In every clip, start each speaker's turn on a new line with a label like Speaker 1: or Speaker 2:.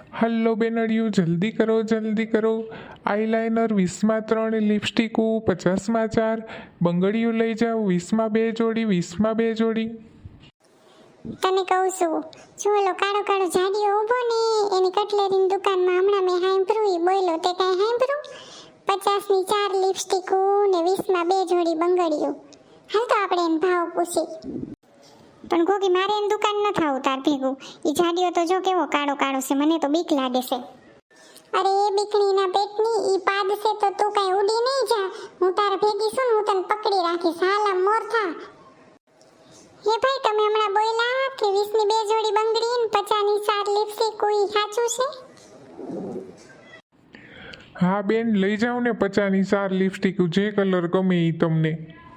Speaker 1: Hello બેનડિયું, જલ્દી કરો. Eyeliner 20માં 3, લિપસ્ટિકો 50માં 4, બંગડીયું લઈ જાઓ 20માં 2 જોડી, 20માં 2 જોડી.
Speaker 2: તને કહું છું, જો ઓલો કાળો કાળો જાડિયો ઊભો ને એની કટલેરીની દુકાનમાં હમણાં મેં હાંભળ્યું, ઈ બોયલો તે કાંઈ હાંભળ્યું? 50ની 4 લિપસ્ટિકો ને 20માં 2 જોડી બંગડીયું. હાલ તો આપણે એને ભાવ પૂછી. પણ ગોગી, મારે એની દુકાન ન થાવું તાર ભેગું. ઈ જાડિયો તો જો કેવો કાળો કાળો છે, મને તો બીક લાગે છે. અરે એ બીકણીના પેટની ઈ પાદ છે તો તું કાંઈ ઉડી નહીં જા. હું તાર ભેગી છું ને, હું તને પકડી રાખીશ. હાલ આમ મોર થા. હે ભાઈ, તમે હમણાં બોલ્યા કે 20ની 2 જોડી બંગડી ને 50ની 4 લિપસ્ટિક, કોઈ સાચું છે?
Speaker 1: હા બેન, લઈ જાઓ ને 50ની 4 લિપસ્ટિક, જે કલર ગમે એ તમને.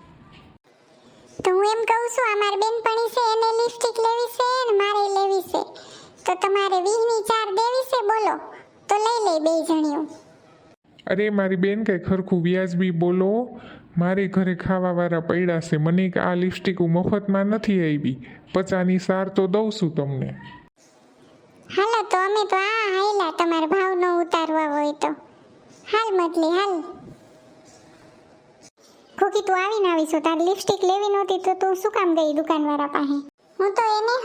Speaker 2: તો હું એમ કહું છું, આ મારી બેનપણી છે, એને લિપસ્ટિક લેવી છે ને મારે લેવી છે, તો તમારે 20ની 4 દેવી છે, બોલો તો લઈ લે બે જણીઓ.
Speaker 1: અરે મારી બેન, કંઈ ખરખું વ્યાજબી બોલો. મારે ઘરે ખાવાવાળા પડ્યા છે, મને આ લિપસ્ટિક મફતમાં નથી આવી. 50ની 4 તો દઉં છું તમને.
Speaker 2: હાલો તો અમે તો આ હાયલા, તમારે ભાવ ન ઉતારવા હોય તો હાલ મતલી હાલ. ખોકી, તું આવીને આવીશું, તારે લિપસ્ટિક લેવી નહોતી તો તું શું કામ ગઈ દુકાનવાળા પાસે? હું તો એને